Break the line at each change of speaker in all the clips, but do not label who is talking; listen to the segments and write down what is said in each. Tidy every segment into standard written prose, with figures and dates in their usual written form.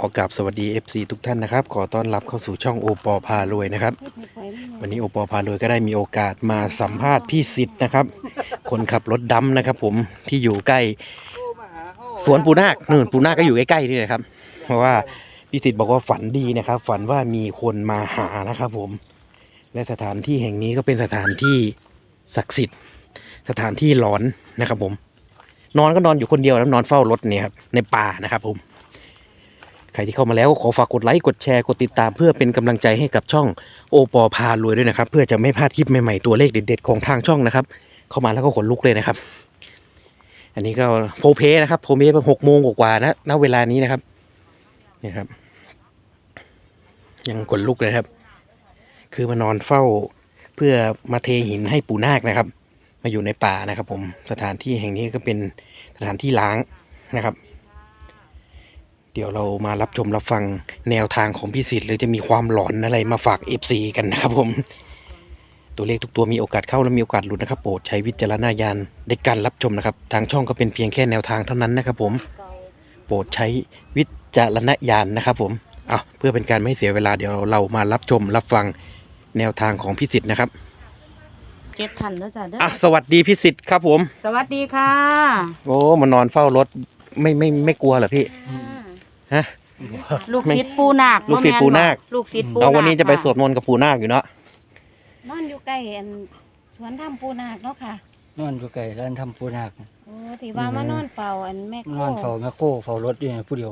อกราบสวัสดี FC ทุกท่านนะครับขอต้อนรับเข้าสู่ช่องโอปอพารวยนะครับวันนี้โอปอพารวยก็ได้มีโอกาสมาสัมภาษณ์พี่สิทธิ์นะครับคนขับรถดำนะครับผมที่อยู่ใกล้สวนปูนาคนู่นปูนาคก็อยู่ใกล้ๆนี่แหละครับเพราะว่าพี่สิทธิ์บอกว่าฝันดีนะครับฝันว่ามีคนมาหานะครับผมและสถานที่แห่งนี้ก็เป็นสถานที่ศักดิ์สิทธิ์สถานที่หลอนนะครับผมนอนก็นอนอยู่คนเดียวแล้วนอนเฝ้ารถเนี่ยครับในป่านะครับผมใครที่เข้ามาแล้วก็ขอฝากกดไลค์กดแชร์กดติดตามเพื่อเป็นกำลังใจให้กับช่องโอปอพารวยด้วยนะครับเพื่อจะไม่พลาดคลิปใหม่ๆตัวเลขเด็ดๆของทางช่องนะครับเข้ามาแล้วก็ขนลุกเลยนะครับอันนี้ก็โพเพนะครับโพเพเป็น6 โมงกว่านะณเวลานี้นะครับนี่ครับยังขนลุกเลยครับคือมานอนเฝ้าเพื่อมาเทหินให้ปู่นาคนะครับมาอยู่ในป่านะครับผมสถานที่แห่งนี้ก็เป็นสถานที่ล้างนะครับเดี๋ยวเรามารับชมรับฟังแนวทางของพี่สิทธิ์หรือจะมีความหลอนอะไรมาฝาก FC กันนะครับผมตัวเลขทุกตัวมีโอกาสเข้าและมีโอกาสหลุดนะครับโปรดใช้วิจารณญาณในการรับชมนะครับทางช่องก็เป็นเพียงแค่แนวทางเท่านั้นนะครับผมโปรดใช้วิจารณญาณนะครับผมเพื่อเป็นการไม่เสียเวลาเดี๋ยวเรามารับชมรับฟังแนวทางของพี่สิทธิ์นะครับ
7 ท่านแล้วจ้ะเด้อ
สวัสดีพี่สิทธิ์ครับผม
สวัสดีค่ะ
โอ้มานอนเฝ้ารถไม่กลัวเหรอพี่ฮะ
ลูกศิษย์ปูนาค
ลูกศิษย์ปูนาค
ลูกศิษย์ปูนาค
วันนี้จะไปสวดมนต์กับปูนาคอยู่เนาะ
นอนอยู่ใกล้สวนถ้ำปูนาคเนาะค่ะ
นอนอยู่ใกล้ร้านทำปูนาค
โอ้ที่ว่ามานอนเฝ้าแม่โคน
อนเฝ้าแม่โก้เฝ้ารถอยู่ผู้เดียว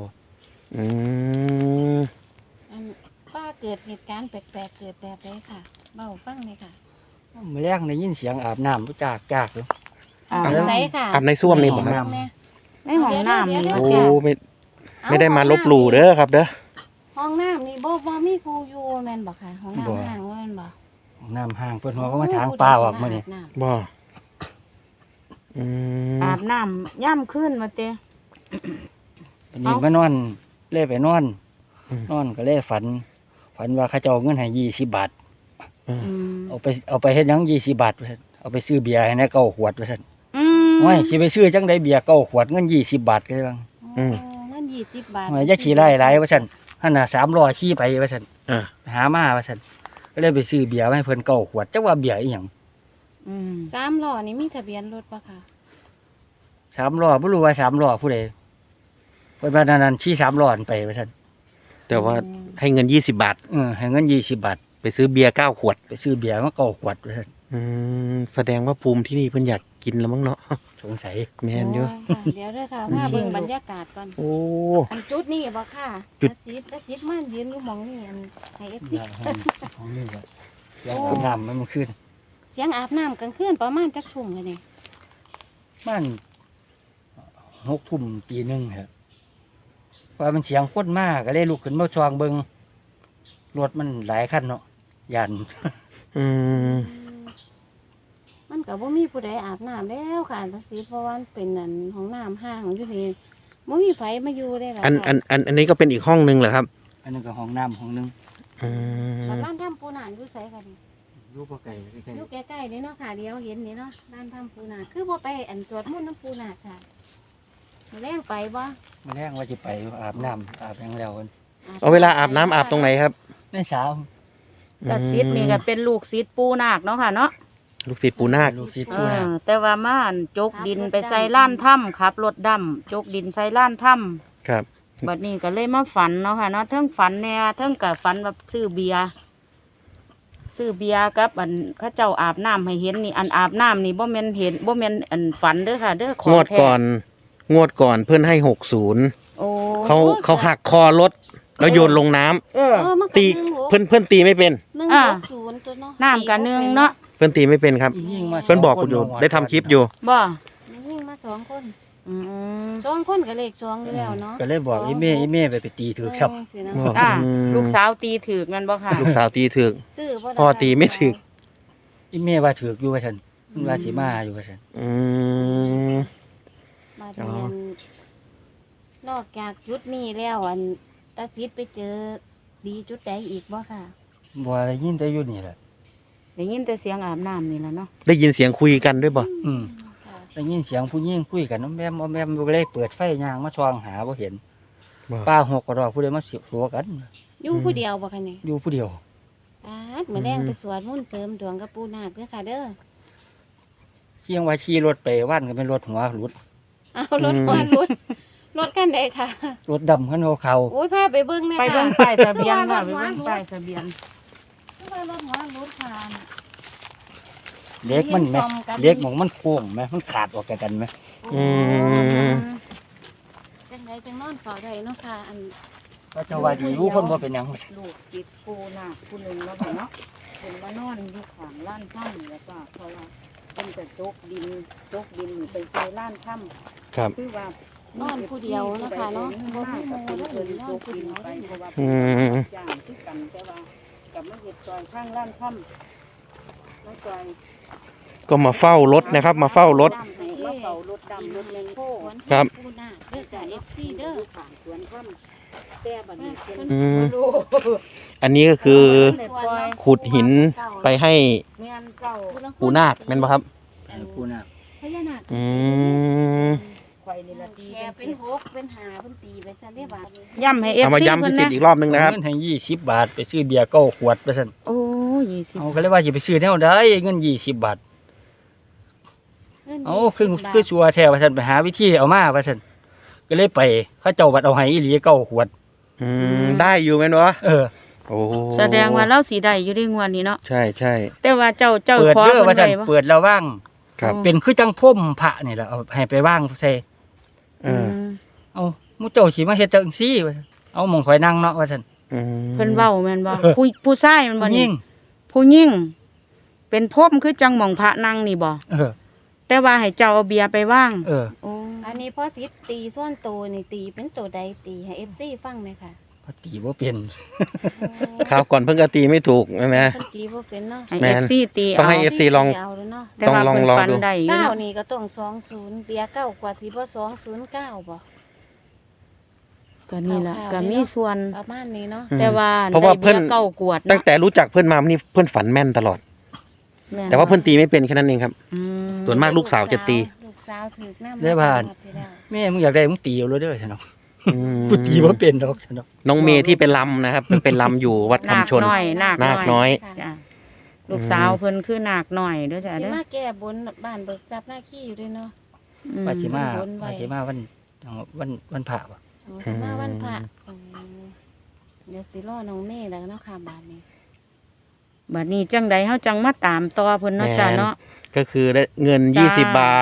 ป้าเกิดเหตุการณ์แปลกๆเกิดแบบไหนค่ะเบาฟังเลยค่ะ
เมื่อแรกได้ยินเสียงอาบน้ำจากเลย
อาบไหนค่ะ
อาบในส้วมนี่ผม
ครับ
ในห้องน้ำนี่
โอ้ไม่ได้มาลบหลู่เด้อครับเด้อ
ห้องน้ำนี่บ่มีครูอยู่แม่นบ่ค่ะห้องน้ำห่างว่าแม่นบ่
ห้องน้ำห่างเพิ่นหัวก็มาทางป่าออกมานี่
บ่
อาบน้ำย่ำขึ้นมาเตะ
วันนี้มานอนเล่ไปนอนก็เล่ฝันว่าเขาจะเอาเงินให้20 บาทเอาไปเฮ็ดหยัง20 บาทเอาไปซื้อเบียร์ให้นะ9 ขวดว่าซั่นโอ้ยสิไปซื้อจังได๋เบียร์9 ขวดเงิน20 บาทก็ได้บ้าง
เงิน20 บาท
อย่าขี่ไล่หลายว่าซั่นหั่นน่ะ3ล้อขี่ไปว่าซั่นหามาว่าซั่นก็เลยไปซื้อเบียร์ให้เพิ่น9 ขวดจักว่าเบียร์อีหยัง
3 ล้อนี่มีทะเบียนรถป่ะค่ะ
3 ล้อบ่รู้ว่า3 ล้อผู้ใดเพิ่นว่านั้นขี่3 ล้อไปว่าซั่น
แต่ว่าให้เงิน20 บาท
ให้เงิน20 บาท
ไปซื้อเบียร์9 ขวด
ไปซื้อเบียร์มา9 ขวดว่าซั่น
แสดงว่าภูมิที่นี่เพิ่นอยากกินแล้วมั้งเนาะ
สงสัย
แม่นอยู่
เดี๋ยวเด้อค่ะมาเบิ่งบรรยากาศก่อน
โอ้
จุดนี้บ่ค่ะจุดมันยืนอยู่หม่องนี้ให้ FC
ของนี่ก็อาบน้ำมันขึ้น
เสียงอาบน้ำกลางคืนประมาณจักทุ่มกันนี่
มัน6 ทุ่มตี 1ครับว่ามันเสียงคนมากก็เลยลุกขึ้นมาช่วงเบิ่งรถมันหลายคันเนาะย่าน
มันก็บ่มีผู้ใดอาบน้ำแล้วค่ะจังซี่เพราะว่าเป็นห้องน้ำห้างอยู่นี่บ่มีไผมาอยู่เลยล่ะ
อันนี้ก็เป็นอีกห้องนึงเหรอครับ
อันนึงก็ห้องน้ำห้องนึง
ร้านทำปูนาอยู่ไสกัน
อยู่บ่ไกล
อยู่ใกล้ๆนี่เนาะค่ะเดี๋ยวเห็นนี่เนาะร้านทำปูนาคือบ่ไปสวดมนต์น้ำปูนาค่ะแรงไปบ่
มื้อแรงว่าสิไปอาบน้ำอาบหยังแล้ว
เอาเวลาอาบน้ำอาบตรงไหนครับ
ในสาว
แต่ศิษย์นี่ก็เป็นลูกศิษย์ปูนาคเนาะค่ะเนาะ
ลูกศิษย์ปูนาค
แต่ว่ามาจกดินไปใส่ล้านถ้ำขับรถดำจกดินใส่ล้านถ้
ำครับ
บัดนี้ก็เลยมาฝันเนาะค่ะเนาะทั้งฝันเนี่ยทั้งกับฝันแบบซื้อเบียร์กับเขาเจ้าอาบน้ำให้เห็นนี่อาบน้ำนี่บ่แม่นเห็นบ่แม่นฝันเด้อค่ะเด้อ
ของแท้งวดก่อนเพื่อนให้60เขาหักคอรถแล้วโยนลงน้ำตีเพื่อนตีไม่เป็น
160ตัวเนาะ
น้ำกับ1เนาะ
เพื่อนตีไม่เป็นครับเพื่อนบอกอยู่ได้ทำคลิปอยู่
บ่
ยิงมา2 คน2 คนก็เลข2อยู่แล้วเนาะ
ก็เลยบอกอีเม่ไปตีถือครับ
ลูกสาวตีถือมันบ่ค่ะ
ลูกสาวตีถือพ่อตีไม่ถือ
อีเม่ว่าถืออยู่ว่าฉันว่าสิมาอยู่ว่าฉัน
มาเรียนนอกจากจุดนี้แล้วตาซิดไปเจอดีจุดใดอีกบ่ค่ะ
บ่ได้ยินแต่อยู่นี่แหละ
ได้ยินแต่เสียงอาบน้ำนี่แหละเนาะ
ได้ยินเสียงคุยกันด้วยบ่
ได้ยินเสียงผู้หญิงคุยกันแม่มอยู่เลยเปิดไฟย่างมาช่องหาบ่เห็นป้าหกกระดอกผู้ใดมาเสียบตัวกัน
อยู่ผู้เดียวบ่คะนี่
อยู่ผู้เดียว
มื้อแรงไปสวดมนต์เสริมดวงกับปู่นาคเด้อค่ะเด้อ
เชียงว่าขี่รถไปว่านก็เป็นรถหัวหลุด
เอารถก่อนรถคันใดค่ะ
รถดำขันเขา
โอ้ยพาไปเบิ่งแม่
ไป
ค่ะ
เบิ่งป้ายทะเบียนว่าไปเบิ่งป้ายทะเบียน
รถหัวรถค่ะ
เล็กมันไหมเล็กหมองมันโค้งไหมมันขาดออกจากกันไหม
อืม
จังไดจังนอนเฝ้าได้เนาะค่ะอัน
ก็จะว่าดีรู้คนว่าเป็นหยัง
ลูกติดปูนาคผู้หนึงแล้วบ่เนาะเพิ่นมานอนอยู่ข้างร้านถ้ำแล้วก็เพราะว่าเพิ่นจะจกดินไปใส่ร้านถ้ำ
ครับ
คือว่าน
อนผู้เดียวเนาะค่ะเนาะบ่
บ่
มี
มี
ห
ห
มู่
มู่
แล้
แล้ว ว
ถึ
เพิ่
ง
น
น
จ
อน
ก
ผู้
ดิน
เดียว
ไปเพราะว่า
อืม
ย่างคือกันแต่ว่ากับมาเฮ็ดซอยข้างร้านถ้ำมาซอย
ก็มาเฝ้ารถนะครับ มาเฝ้ารถ
มาเฝ้ารถดำรถแมงโค
ครับ
ปู่นาคเด้อจ้ะ FC เด้อ
ผ่านสวนถ้ำแต่บัดนี้เป็น
อืม
บ่รู้
อันนี้ก็คือ
ปล่อย
ขุดหินไปให้
แม่นเจ้า
ปู่นาคแม่นปะครับ
ผู้น่ะ
พญานาค
อืม
ข่อยนี่ละตี
แค่เป็น6เป็น5เพิ่นตีไปซะเด้บาด
ย่ำให้
เอามา
FC
ย้ำ
เพิ่
พิ
น
เศษ
นะ
อีกรอบนึงนะครับ
เงินให้20 บาทไปซื้อเบียร์9 ขวดไปสั่น
โอ้20
เอาก็เลยว่าจะไปซื้อแนวใดเงิน20 บาท
เงิน
เอา
20
คือ
บาท
คือชัวร์แท้ว่าซั่นไปหาวิธีเอามาว่าซั่นก็เลยไปเขาเจ้าบัดเอาให้อีหลี9 ขวด
อืมได้อยู่แม่นวะ
เออ
โอ้
แสดงว่าเราสีได้อยู่ในงวดนี้เนาะ
ใช่ใช่
แต่ว่าเจ้า
เปิด
ขอ
เด้อ
เพิ่
ว่าน ซั่น
ไว้บ่
เปิดแล้วว่าง
ครับ
เป็นคือจังพ่มพระนี่แหละเอาให้ไปว่างใส่
เออ
เอาหมู่เจ้าสิมาเฮ็ดจังซี่ว่าซั่นเอาหม่องข่อยนั่งเนาะว่าซั่น
อืม
เพิ่นเว้าแม่นบ่
เออ
ผู้ชายแมันบ่
ผู้ห
นี่
ญิง
ผู้หญิงเป็นพรมคือจังหม่องพระนั่งนี่บ่
เออ
แต่ว่าให้เจ้าเอาเบียร์ไปว่าง
เออ
โอ้
อันนี้พ่อสิตีส่วนโตนี่ตีเป็นตัวใดตีให้ FC ฟังหน่อยค่ะ
พอตีบ่เป็น
คราวก่อนเพิ่งกตีไม่ถูกใช่ไหม
เพิ่นตีบ่เป็นเนาะ
ให้
แม่น
FC ตี
ต้อง
เอา
ให้ FC ลอง
เอาเลยเนาะ
แต่ว่า
ต้อง
เพิ่น
ลอง
ฟัน
ดู
ได้อยู่
เก้า
เนาะ
นี่ก็ต้อง20เบียร์เก้ากว่าสิบ่209บ่
ก็นี่ล่ะ
คร่าวๆ
ก็มีส่วน
ประมาณนี้เนาะ
อืม
แต่ว่า
เพราะว่าเพิ่น
ได้บียร์เก้ากวด
ตั้ง
เนาะ
แต่รู้จักเพื่อนมานี่เพื่อนฝันแม่นตลอด
ม่
แต่ว่าเพื่อนตีไม่เป็นแค่นั้นเองครับ
อืม
ส่วนมากลูกสาวจะตี
ลูกสาวถือน้ำ
ได้บ้าน
ที่แล้ว
แม่มึงอยากได้มึงตีเอาเลยเด้อซั่นเนาะ
อืม
กูตีบ่เป็นดอกซั่นเนาะ
น้องเมย์ที่เป็นลำนะครับเป็นลำอยู่วัด
นาค
คำชน
น้อยนาค
นาคน้อย
จ้ะลูกสาวเพิ่นคือนาคน้อยเด้อจ้ะ
สิ
เด้อ
มาแก้บนบ้านเบิกทรัพย์หน้าขี้อยู่ด้วยเนาะ
อืม
ว่าสิมา
บนไว้
ว่าสิมาวันพระบ่
โอ้สิมาวันพระเดี๋ยวสิรอน้องเมย์แล้วเนาะค่ะบาทนี้
บัดนี้จังใดเฮาจังมาตามต่อเพิ่นเนาะจ้ะเนาะ
ก็คือได้เงิน
จ้า
20 บาท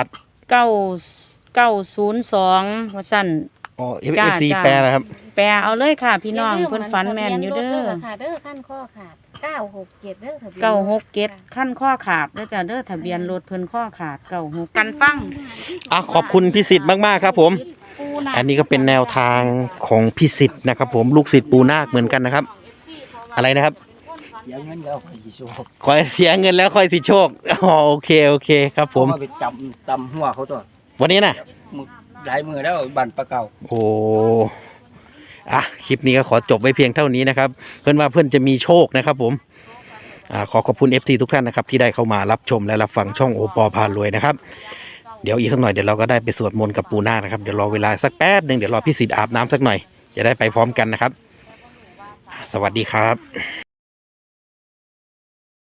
902ว่าซั่น
อ๋อ
จ้า
FC
จ้า
แปลนะครับ
แปลเอาเลยค่ะ พี่น้อง
ย่าลืม
เพิ่นฝันแม่นอยู่เด้
ทะบี
อ
รถค่ะเด้อขั้นข้อขาด967เด้อทะเบียนรถ
967ขั้นข้อขาดเด้อจ้ะเด้อทะเบียนรถเพิ่นข้อขาด96กันฟัง
อ่ะขอบคุณพี่สิทธิ์มากๆครับผม อันนี้ก็เป็นแนวทางของพี่สิทธิ์นะครับ ผมลูกศิษย์ปูนาคเหมือนกันนะครับ อะไรนะครับ
เสียเงินแล้วข่อยสิโชค
คอยเสียเงินแล้วค่อยสิโชคอ๋อโอเคโอเคครับผม
เอาาไปจำตำหัวเขาตัว
วันนี้นะ
มึงหลายมือแล้วบันปลาเก่า
โอ้อ่ะคลิปนี้ก็ขอจบไว้เพียงเท่านี้นะครับ เพื่อนว่าเพื่อนจะมีโชคนะครับผมขอขอบคุณ FT ทุกท่านนะครับที่ได้เข้ามารับชมและรับฟังช่องโอปอพารวยนะครับเดี๋ยวอีกสักหน่อยเดี๋ยวเราก็ได้ไปสวดมนต์กับปูนาคนะครับเดี๋ยวรอเวลาสักแป๊บหนึ่งเดี๋ยวรอพี่สิทธิ์อาบน้ำสักหน่อยจะได้ไปพร้อมกันนะครับสวัสดีครับ